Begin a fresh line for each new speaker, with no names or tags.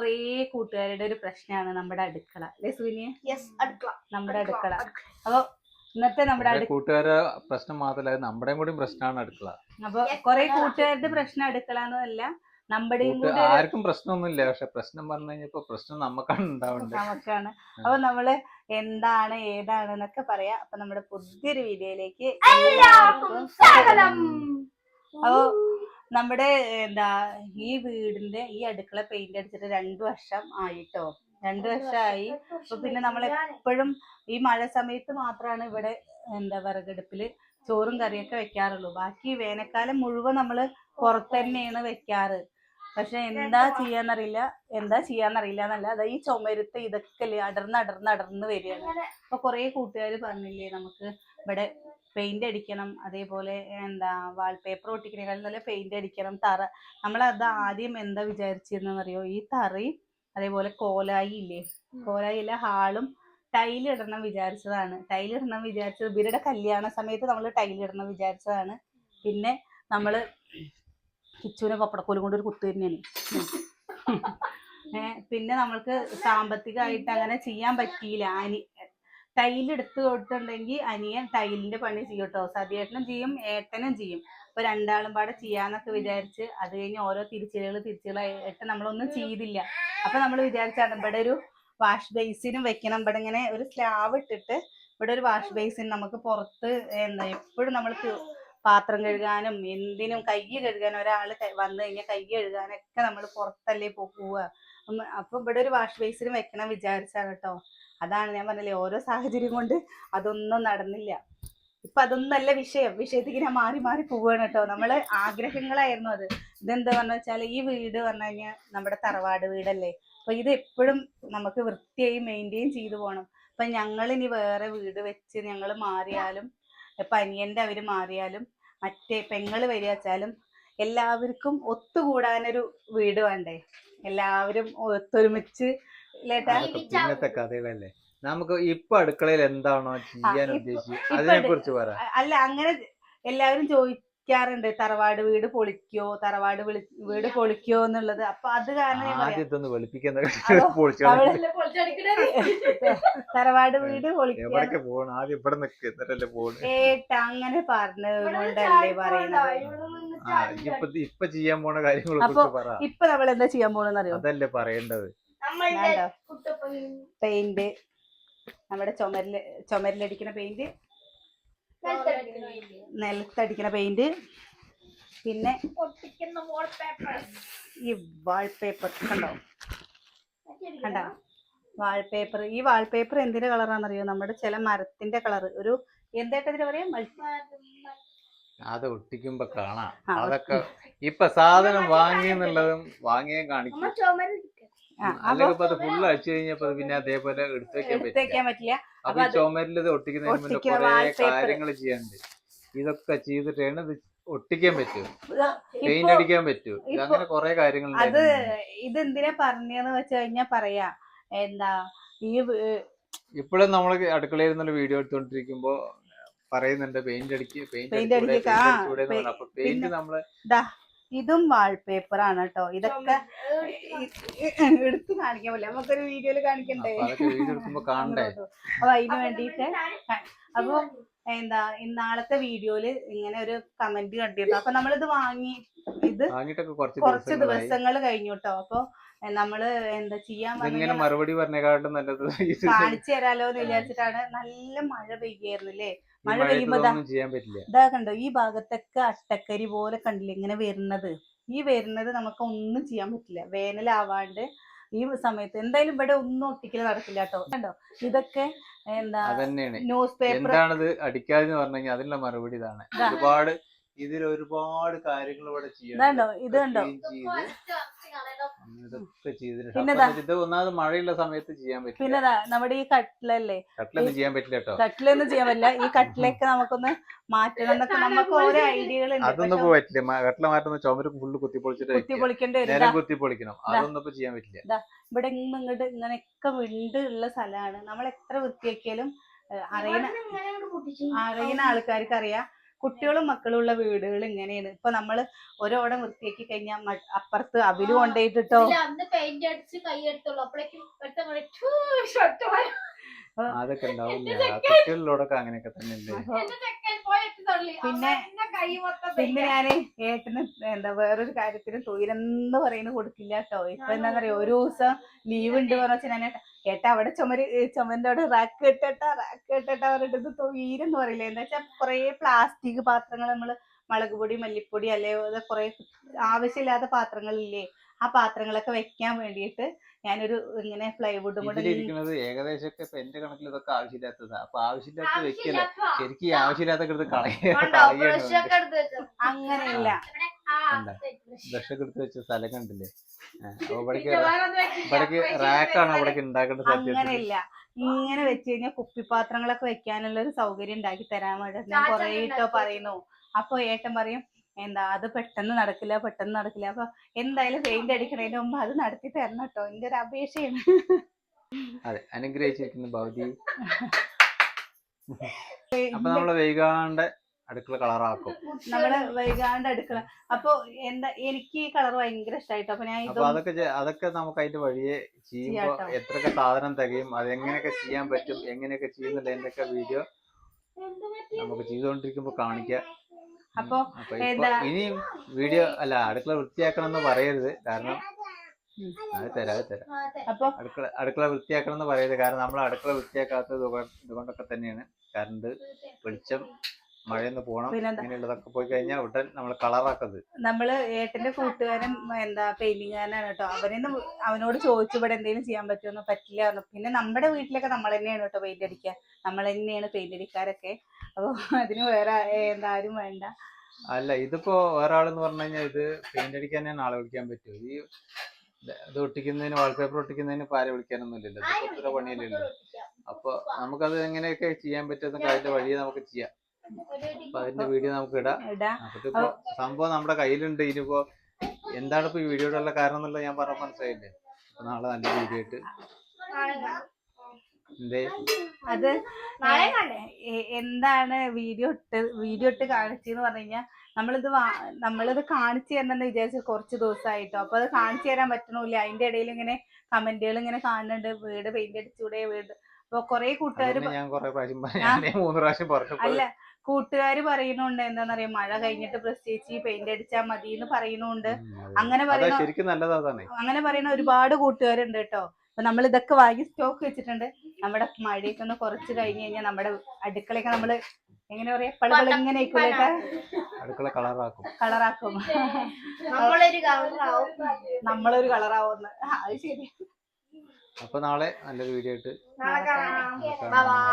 കൊറേ കൂട്ടുകാരുടെ ഒരു പ്രശ്നമാണ് നമ്മുടെ അടുക്കള അല്ലെ സുവിനിയ? നമ്മുടെ അടുക്കള. അപ്പൊ ഇന്നത്തെ നമ്മുടെ
കൂട്ടുകാരെ പ്രശ്നം മാത്രമല്ല നമ്മുടെയും കൂടി പ്രശ്നമാണ് അടുക്കള.
അപ്പൊ കൊറേ കൂട്ടുകാരുടെ പ്രശ്നം അടുക്കള എന്നല്ല, നമ്മുടെയും കൂടി
ആർക്കും പ്രശ്നമൊന്നുമില്ല. പക്ഷെ പ്രശ്നം പറഞ്ഞു കഴിഞ്ഞപ്പോ പ്രശ്നം നമുക്കാണ് ഉണ്ടാവേണ്ടത്.
നമുക്കാണ്. അപ്പൊ നമ്മള് എന്താണ് ഏതാണ് എന്നൊക്കെ പറയാ. അപ്പൊ നമ്മുടെ പുതിയൊരു വീഡിയോയിലേക്ക് എല്ലാവർക്കും സ്വാഗതം. അപ്പൊ നമ്മുടെ ഈ വീടിന്റെ ഈ അടുക്കള പെയിന്റ് അടിച്ചിട്ട് 2 വർഷം ആയിട്ടോ. 2 വർഷമായി. അപ്പൊ പിന്നെ നമ്മൾ എപ്പോഴും ഈ മഴ സമയത്ത് മാത്രമാണ് ഇവിടെ വിറകടുപ്പില് ചോറും കറിയൊക്കെ വെക്കാറുള്ളൂ. ബാക്കി വേനൽക്കാലം മുഴുവൻ നമ്മള് പുറത്ത് തന്നെയാണ് വെക്കാറ്. പക്ഷെ എന്താ ചെയ്യാന്നറിയില്ല എന്നല്ല, അതാ ഈ ചുമരുത്ത് ഇതൊക്കെ അടർന്ന് വരികയാണ്. അപ്പൊ കുറെ കൂട്ടുകാർ പറഞ്ഞില്ലേ നമുക്ക് ഇവിടെ പെയിന്റ് അടിക്കണം, അതേപോലെ വാൾപേപ്പർ ഒട്ടിക്കണേക്കാളും നല്ല പെയിന്റ് അടിക്കണം, തറ. നമ്മളത് ആദ്യം എന്താ വിചാരിച്ചിരുന്നറിയോ, ഈ തറയും അതേപോലെ കോലായി ഇല്ലേ, കോലായില്ല ഹാളും ടൈലിടണം വിചാരിച്ചതാണ്. ഇവരുടെ കല്യാണ സമയത്ത് നമ്മൾ ടൈലിടണം വിചാരിച്ചതാണ്. പിന്നെ നമ്മള് കിച്ചുവിനെ പപ്പടക്കോലും കൊണ്ട് ഒരു കുത്തു തന്നെയാണ്. പിന്നെ നമ്മൾക്ക് സാമ്പത്തികമായിട്ട് അങ്ങനെ ചെയ്യാൻ പറ്റിയില്ല. ടൈലെടുത്ത് കൊടുത്തിട്ടുണ്ടെങ്കിൽ അനിയൻ ടൈലിന്റെ പണി ചെയ്യും കേട്ടോ. സതിയേട്ടനും ചെയ്യും, ഏട്ടനും ചെയ്യും. അപ്പൊ രണ്ടാളും പാടെ ചെയ്യാന്നൊക്കെ വിചാരിച്ച് അത് കഴിഞ്ഞ് ഓരോ തിരിച്ചുകളായിട്ട് നമ്മളൊന്നും ചെയ്തില്ല. അപ്പൊ നമ്മൾ വിചാരിച്ചാണ് ഇവിടെ ഒരു വാഷ് ബേസിനും വെക്കണം. ഇവിടെ ഇങ്ങനെ ഒരു സ്ലാബ് ഇട്ടിട്ട് ഇവിടെ ഒരു വാഷ് ബേസിൻ, നമുക്ക് പുറത്ത് എപ്പോഴും നമ്മൾ പാത്രം കഴുകാനും എന്തിനും കൈ കഴുകാനും ഒരാൾ വന്നു കഴിഞ്ഞാൽ കൈ കഴുകാനൊക്കെ നമ്മൾ പുറത്തല്ലേ പോവുക. അപ്പൊ ഇവിടെ ഒരു വാഷ് ബേസിനും വെക്കണം വിചാരിച്ചാണ് കേട്ടോ. അതാണ് ഞാൻ പറഞ്ഞില്ലേ, ഓരോ സാഹചര്യം കൊണ്ട് അതൊന്നും നടന്നില്ല. ഇപ്പൊ അതൊന്നല്ല വിഷയത്തിക്ക് ഞാൻ മാറി പോവുകയാണ് കേട്ടോ. നമ്മള് ആഗ്രഹങ്ങളായിരുന്നു അത്. ഇതെന്താ പറഞ്ഞു വെച്ചാൽ, ഈ വീട് പറഞ്ഞു കഴിഞ്ഞാൽ നമ്മുടെ തറവാട് വീടല്ലേ. അപ്പൊ ഇത് എപ്പോഴും നമുക്ക് വൃത്തിയായി മെയിൻറ്റെയിൻ ചെയ്തു പോകണം. അപ്പൊ ഞങ്ങളിനി വേറെ വീട് വെച്ച് ഞങ്ങൾ മാറിയാലും, ഇപ്പൊ അനിയന്റെ അവര് മാറിയാലും, മറ്റേ പെങ്ങള് വരികച്ചാലും എല്ലാവർക്കും ഒത്തുകൂടാനൊരു വീട് വേണ്ടേ? എല്ലാവരും ഒത്തൊരുമിച്ച്
ഇന്നത്തെ കഥകളല്ലേ. നമുക്ക് ഇപ്പൊ അടുക്കളയിൽ എന്താണോ ചെയ്യാൻ ഉദ്ദേശിച്ചത് അതിനെ കുറിച്ച് പറ.
അല്ല, അങ്ങനെ എല്ലാവരും ചോദിക്കാറുണ്ട്, തറവാട് വീട് പൊളിക്കോ എന്നുള്ളത്. അപ്പൊ അത് കാരണം തറവാട് വീട് പൊളിക്കോ അങ്ങനെ പറഞ്ഞുകൊണ്ടല്ലേ പറയുന്നത്.
ഇപ്പൊ ചെയ്യാൻ പോണ കാര്യങ്ങളെ കുറിച്ച് പറ.
ഇപ്പൊ നമ്മൾ എന്താ ചെയ്യാൻ പോണെന്നറിയോ?
അതല്ലേ പറയേണ്ടത്.
പെയിന്റ്, നമ്മുടെ ചുമരിലടിക്കുന്ന പെയിന്റ്, നിലത്തടിക്കുന്ന പെയിന്റ്, പിന്നെ ഈ വാൾപേപ്പർ കണ്ടോ വാൾപേപ്പർ. ഈ വാൾപേപ്പർ എന്തിന്റെ കളറാണെന്നറിയോ? നമ്മുടെ ചില മരത്തിന്റെ കളർ. ഒരു എന്തായിട്ടതിന് പറയാം,
അത് ഒട്ടിക്കുമ്പോ കാണാം. അതൊക്കെ ഇപ്പൊ സാധനം വാങ്ങിയെന്നുള്ളതും വാങ്ങിയാൽ കാണിക്കും. അല്ലെങ്കിൽ അത് ഫുള്ള് അടിച്ചു കഴിഞ്ഞപ്പോ പിന്നെ അതേപോലെ എടുത്തു വെക്കാൻ പറ്റില്ല. അപ്പൊ ഈ ചുമരിൽ ഇത് ഒട്ടിക്കുന്നതിന് മുന്നേ കുറെ കാര്യങ്ങൾ ചെയ്യാനുണ്ട്. ഇതൊക്കെ ചെയ്തിട്ടാണ് ഇത് ഒട്ടിക്കാൻ പറ്റൂ, പെയിന്റ് അടിക്കാൻ പറ്റൂ, അങ്ങനെ കുറെ കാര്യങ്ങൾ.
അത് ഇതെന്തിനാ പറഞ്ഞെന്ന് വെച്ച് കഴിഞ്ഞാ പറയാ,
ഇപ്പോഴും നമ്മള് അടുക്കളയിൽ നിന്നുള്ള വീഡിയോ എടുത്തോണ്ടിരിക്കുമ്പോ പറയുന്നുണ്ട് പെയിന്റ് അടിക്കുക. അപ്പൊ പെയിന്റ് നമ്മള്
ഇതും വാൾപേപ്പർ ആണ് കേട്ടോ. ഇതൊക്കെ എടുത്ത് കാണിക്കാൻ പറ്റില്ല, നമുക്കൊരു വീഡിയോയില് കാണിക്കണ്ടേ. അപ്പൊ അതിന് വേണ്ടിയിട്ട് അപ്പൊ ഇന്നാളത്തെ വീഡിയോയില് ഇങ്ങനെ ഒരു കമന്റ് കണ്ടിരുന്നു. അപ്പൊ നമ്മളിത് കുറച്ച് ദിവസങ്ങൾ കഴിഞ്ഞു കേട്ടോ. അപ്പൊ നമ്മള് എന്താ ചെയ്യാൻ
മറുപടി പറഞ്ഞേക്കാട്ടും നല്ലത്
കാണിച്ചു തരാലോ എന്ന് വിചാരിച്ചിട്ടാണ്. നല്ല മഴ പെയ്യായിരുന്നില്ലേ? മഴ പെയ്യുമ്പോ ഇതാ കണ്ടോ, ഈ ഭാഗത്തൊക്കെ അട്ടക്കരി പോലെ കണ്ടില്ലേ ഇങ്ങനെ വരുന്നത്. ഈ വരുന്നത് നമുക്ക് ഒന്നും ചെയ്യാൻ പറ്റില്ല. വേനലാവാണ്ട് ഈ സമയത്ത് എന്തായാലും ഇവിടെ ഒന്നും ഒട്ടിക്കൽ നടക്കില്ല കേട്ടോ. കണ്ടോ, ഇതൊക്കെ ന്യൂസ് പേപ്പർ.
എന്താണത് അടിക്കാതെന്ന് പറഞ്ഞു അതിനുള്ള മറുപടി ഇതാണ്. ഒരുപാട് കാര്യങ്ങൾ ഇവിടെ
ചെയ്യാം. ഇത് കണ്ടോ,
ഇത് ഒന്നാമത് മഴയുള്ള സമയത്ത് ചെയ്യാൻ പറ്റും.
പിന്നെ നമ്മുടെ ഈ കട്ടിലല്ലേ,
കട്ടിലൊന്നും ചെയ്യാൻ പറ്റില്ല കേട്ടോ.
കട്ടിലൊന്നും ചെയ്യാൻ പറ്റില്ല. ഈ കട്ടിലൊക്കെ നമുക്കൊന്ന് മാറ്റണം എന്നൊക്കെ നമുക്ക് ഓരോ ഐഡിയകൾ ഉണ്ട്.
അതൊന്നും പറ്റില്ല. കട്ടില മാറ്റുന്ന ചുമര് ഫുള്ള് കുത്തിപ്പൊളിക്കണം. അതൊന്നും ഇപ്പൊ ചെയ്യാൻ പറ്റില്ല.
ഇവിടെ ഇങ്ങോട്ട് ഇങ്ങനെയൊക്കെ വിണ്ട് ഉള്ള സ്ഥലമാണ്. നമ്മൾ എത്ര വൃത്തിയാക്കിയാലും അറിയുന്ന ആൾക്കാർക്ക് അറിയാം കുട്ടികളും മക്കളും ഉള്ള വീടുകൾ ഇങ്ങനെയാണ്. ഇപ്പൊ നമ്മള് ഓരോടം വൃത്തിയാക്കി കഴിഞ്ഞാൽ അപ്പുറത്ത് അവര് കൊണ്ടുപോയിട്ടോ
അതൊക്കെ ഉണ്ടാവും. കുട്ടികളിലോടൊക്കെ അങ്ങനെയൊക്കെ തന്നെ ഉണ്ട്.
പിന്നെ ഞാന് ഏട്ടന് എന്താ വേറൊരു കാര്യത്തിന് തൊഴിലെന്ന് പറയുന്നത് കൊടുക്കില്ല കേട്ടോ. ഇപ്പൊ എന്താ പറയാ, ഒരു ദിവസം ലീവ് ഉണ്ട് പറഞ്ഞാൽ ഞാൻ ഏട്ടാ അവിടെ ചുമന്റെ അവിടെ റാക്ക് കെട്ടട്ടാ പറഞ്ഞിട്ട് തൊഴിലെന്ന് പറയില്ല. എന്താ വെച്ചാൽ കുറെ പ്ലാസ്റ്റിക് പാത്രങ്ങൾ നമ്മള് മുളക് പൊടി മല്ലിപ്പൊടി അല്ലെ കുറെ ആവശ്യമില്ലാത്ത പാത്രങ്ങളില്ലേ, ആ പാത്രങ്ങളൊക്കെ വെക്കാൻ വേണ്ടിയിട്ട് ഞാനൊരു ഇങ്ങനെ പ്ലൈവുഡും കൂടെ
ഇതിലിരിക്കുന്നത് ഏകദേശം ഒക്കെ ഇപ്പൊ എന്റെ കണക്കിൽ ഇതൊക്കെ ആവശ്യമില്ലാത്തതാ. അപ്പൊ ആവശ്യമില്ലാത്ത വെക്കല്ലേ, ശരിക്കും ഈ ആവശ്യമില്ലാത്ത
അങ്ങനെയല്ല.
ബ്രഷൊക്കെ എടുത്ത് വെച്ച സ്ഥലം കണ്ടില്ലേ? ഇവിടേക്ക് റാക്കാണ് അവിടേക്ക് ഉണ്ടാക്കേണ്ട സാധ്യത.
അങ്ങനെയല്ല, ഇങ്ങനെ വെച്ച് കഴിഞ്ഞാൽ കുപ്പിപ്പാത്രങ്ങളൊക്കെ വെക്കാനുള്ള ഒരു സൗകര്യം ഉണ്ടാക്കി തരാൻ വേണ്ടി ഞാൻ കൊറേ ഇട്ടോ പറയുന്നു. അപ്പൊ ഏട്ടൻ പറയും എന്താ അത് പെട്ടെന്ന് നടക്കില്ല. അപ്പൊ എന്തായാലും പെയിന്റ് അടിക്കണതിന് മുമ്പ് അത് നടത്തി തരണം കേട്ടോ, എന്റെ ഒരു അപേക്ഷയാണ്.
അതെ, അനുഗ്രഹിച്ചിരിക്കുന്നു ഭൗതി. അപ്പൊ നമ്മള് വൈകാണ്ട് അടുക്കള കളറാക്കും.
അടുക്കള അപ്പൊ എന്താ എനിക്ക് ഈ കളർ ഭയങ്കര ഇഷ്ടമായിട്ടോ. അപ്പൊ ഞാൻ
അതൊക്കെ നമുക്ക് അതിന്റെ വഴിയെ ചെയ്യുമ്പോ എത്രയൊക്കെ സാധനം തികയും, അതെങ്ങനെയൊക്കെ ചെയ്യാൻ പറ്റും, എങ്ങനെയൊക്കെ ചെയ്യുന്നുണ്ട് ഒക്കെ വീഡിയോ നമുക്ക് ചെയ്തുകൊണ്ടിരിക്കുമ്പോ കാണിക്കാം.
അപ്പൊ
ഇനിയും വീഡിയോ അല്ല അടുക്കള വൃത്തിയാക്കണം എന്ന് പറയരുത്, കാരണം അത് തരാം.
അപ്പൊ
അടുക്കള വൃത്തിയാക്കണം എന്ന് പറയരുത്, കാരണം നമ്മൾ അടുക്കള വൃത്തിയാക്കാത്തത് ഇതുകൊണ്ടൊക്കെ തന്നെയാണ്. കറണ്ട്, വെളിച്ചം, മഴയൊന്ന് പോണം, ഇങ്ങനെയുള്ളതൊക്കെ പോയി കഴിഞ്ഞാൽ ഉടൻ നമ്മൾ കളറാക്കുന്നത്.
നമ്മള് ഏട്ടന്റെ കൂട്ടുകാരൻ എന്താ പെയിന്റിങ്ങാരനാണ് കേട്ടോ. അവനോട് ചോദിച്ചു ഇവിടെ എന്തെങ്കിലും ചെയ്യാൻ പറ്റുമെന്ന്. പറ്റില്ല പറഞ്ഞു. പിന്നെ നമ്മുടെ വീട്ടിലൊക്കെ നമ്മൾ തന്നെയാണ് കേട്ടോ പെയിന്റ് അടിക്കുക, നമ്മൾ തന്നെയാണ് പെയിന്റ് അടിക്കാരൊക്കെ. അപ്പൊ അതിന് വേറെ ആരും വേണ്ട.
അല്ല, ഇതിപ്പോ ഒരാളെന്ന് പറഞ്ഞു കഴിഞ്ഞാൽ ഇത് പെയിന്റ് അടിക്കാൻ തന്നെ ആളെ വിളിക്കാൻ പറ്റുമോ? ഈ ഇത് ഒട്ടിക്കുന്നതിന്, വാൾപേപ്പർ ഒട്ടിക്കുന്നതിന് ആരെ വിളിക്കാനൊന്നും ഇല്ലല്ലോ, ഇത് ഒത്തിരി പണിയല്ലല്ലോ. അപ്പൊ നമുക്കത് എങ്ങനെയൊക്കെ ചെയ്യാൻ പറ്റുമെന്നൊക്കെ അതിന്റെ വഴിയെ നമുക്ക് ചെയ്യാം. അപ്പൊ അതിന്റെ വീഡിയോ നമുക്ക് ഇടാം. അപ്പൊ സംഭവം നമ്മുടെ കയ്യിലുണ്ട്. ഇനിയിപ്പോ എന്താണ് ഇപ്പൊ ഈ വീഡിയോയുടെ ഉള്ള കാരണം എന്നുള്ളത് ഞാൻ പറഞ്ഞ മനസ്സിലായില്ലേ? അപ്പൊ നാളെ നല്ല വീഡിയോ ആയിട്ട്
അത് എന്താണ് വീഡിയോ ഇട്ട് കാണിച്ചെന്ന് പറഞ്ഞു കഴിഞ്ഞാൽ നമ്മളിത് കാണിച്ചു തരണമെന്ന് വിചാരിച്ചു കുറച്ച് ദിവസമായിട്ടോ. അപ്പൊ അത് കാണിച്ചു തരാൻ പറ്റണില്ല. അതിന്റെ ഇടയിൽ ഇങ്ങനെ കമന്റുകൾ ഇങ്ങനെ കാണുന്നുണ്ട്, വീട് പെയിന്റ് അടിച്ചൂടെ വീട്. അപ്പൊ കൊറേ കൂട്ടുകാര് അല്ല കൂട്ടുകാര് പറയുന്നുണ്ട് എന്താന്നറിയാം, മഴ കഴിഞ്ഞിട്ട് പ്രത്യേകിച്ച് പെയിന്റ് അടിച്ചാൽ മതി എന്ന് പറയുന്നുണ്ട്. അങ്ങനെ പറയുന്ന ഒരുപാട് കൂട്ടുകാരുണ്ട് കേട്ടോ. അപ്പൊ നമ്മൾ ഇതൊക്കെ വാങ്ങി സ്റ്റോക്ക് വെച്ചിട്ടുണ്ട്. നമ്മുടെ മഴയൊക്കെ ഒന്ന് കുറച്ച് കഴിഞ്ഞ് കഴിഞ്ഞാൽ നമ്മുടെ അടുക്കളയൊക്കെ നമ്മള് എങ്ങനെ പറയാ, പളുകൾ ഇങ്ങനെ കളറാക്കും. നമ്മളൊരു കളറാവുന്ന. അത് ശരി.
അപ്പൊ നാളെ നല്ലൊരു വീഡിയോ ആയിട്ട്